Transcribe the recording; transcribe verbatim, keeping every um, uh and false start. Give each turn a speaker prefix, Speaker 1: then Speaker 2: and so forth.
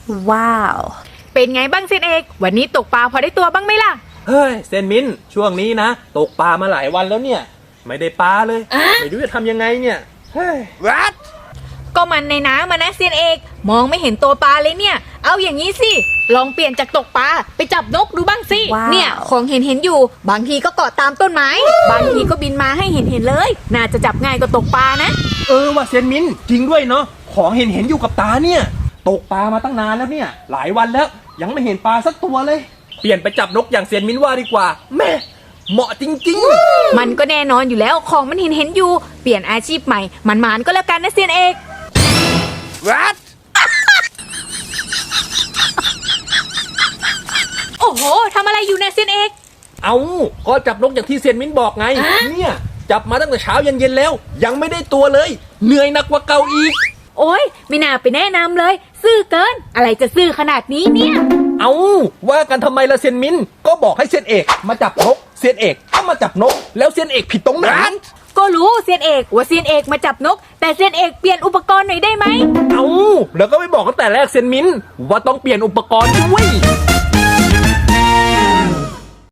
Speaker 1: ว้าวเป็นไงบ้างเซนเอกวันนี้ตกปลาพอได้ตัวบ้างไหมล่ะ
Speaker 2: เฮ้ยเซนมินช่วงนี้นะตกปลามาหลายวันแล้วเนี่ยไม่ได้ปลาเลยไม่รู้จะทำยังไงเนี่ยเฮ้ยวัด
Speaker 1: ก็มันในน้ำมานะเซนเอกมองไม่เห็นตัวปลาเลยเนี่ยเอาอย่างนี้สิลองเปลี่ยนจากตกปลาไปจับนกดูบ้างสิเนี่ยของเห็นเห็นอยู่บางทีก็เกาะตามต้นไม้บางทีก็บินมาให้เห็นเห็นเลยน่าจะจับง่ายกว่าตกปลานะ
Speaker 2: เออว่ะเซนมินจริงด้วยเนาะของเห็นเห็นอยู่กับตาเนี่ยตกปลามาตั้งนานแล้วเนี่ยหลายวันแล้วยังไม่เห็นปลาสักตัวเลยเปลี่ยนไปจับนกอย่างเซนมินว่าดีกว่าแม่เหมาะจริง
Speaker 1: ๆมันก็แน่นอนอยู่แล้วของมันเห็นเห็นอยู่เปลี่ยนอาชีพใหม่มันมานก็แล้วกันนะเซียนเอก
Speaker 2: วัด
Speaker 1: โอ้โหทำอะไรอยู่เนี่ยเซียนเอก
Speaker 2: เอาก็จับนกอย่างที่เซียนมินบอกไงเนี่ยจับมาตั้งแต่เช้าเย็นๆแล้วยังไม่ได้ตัวเลยเหนื่อยหนักกว่าเก่าอีก
Speaker 1: โอ๊ยไม่น่าไปแนะนำเลยซื่อเกินอะไรจะซื่อขนาดนี้เนี่ย
Speaker 2: เอาว่ากันทำไมล่ะเซียนมินก็บอกให้เซียนเอกมาจับนกเซียนเอกก็มาจับนกแล้วเซียนเอกผิดตรงไหน
Speaker 1: ก็รู้เซียนเอกว่าเซียนเอกมาจับนกแต่เซียนเอกเปลี่ยนอุปกรณ์หน่อยได้ไหม
Speaker 2: เอาแล้วก็ไม่บอกตั้งแต่แรกเซียนมินว่าต้องเปลี่ยนอุปกรณ์ด้วย